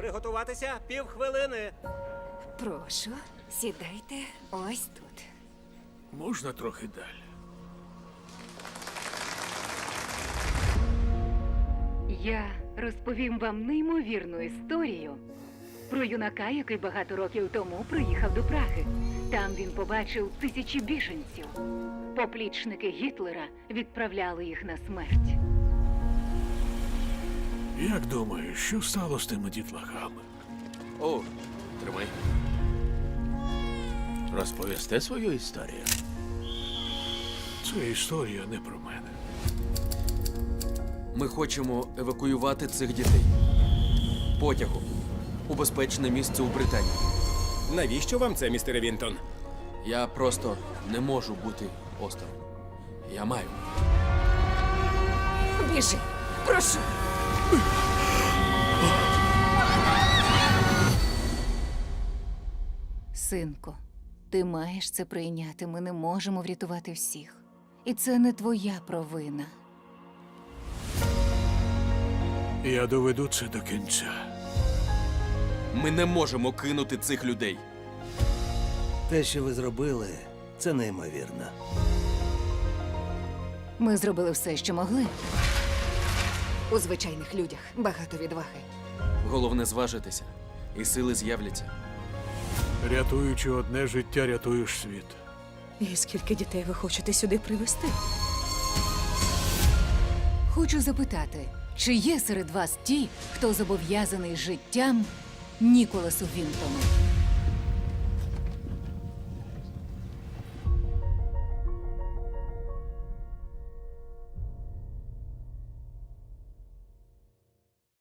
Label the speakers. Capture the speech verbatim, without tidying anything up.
Speaker 1: Приготуватися півхвилини.
Speaker 2: Прошу, сідайте ось тут.
Speaker 3: Можна трохи далі?
Speaker 4: Я розповім вам неймовірну історію про юнака, який багато років тому приїхав до Праги. Там він побачив тисячі біженців. Поплічники Гітлера відправляли їх на смерть.
Speaker 3: Як думаєш, що стало з тими дітлахами?
Speaker 5: О, тримай. Розповісти свою історію?
Speaker 3: Це історія не про мене.
Speaker 5: Ми хочемо евакуювати цих дітей. Потягом. У безпечне місце у Британії.
Speaker 1: Навіщо вам це, містере Вінтон?
Speaker 5: Я просто не можу бути осторонь. Я маю.
Speaker 2: Біжи, прошу. Синку, ти маєш це прийняти. Ми не можемо врятувати всіх. І це не твоя провина.
Speaker 3: Я доведу це до кінця.
Speaker 5: Ми не можемо кинути цих людей.
Speaker 6: Те, що ви зробили, це неймовірно.
Speaker 2: Ми зробили все, що могли. У звичайних людях багато відваги.
Speaker 5: Головне зважитися. І сили з'являться.
Speaker 3: Рятуючи одне життя, рятуєш світ.
Speaker 7: І скільки дітей ви хочете сюди привезти?
Speaker 2: Хочу запитати, чи є серед вас ті, хто зобов'язаний життям Ніколасу Вінтону?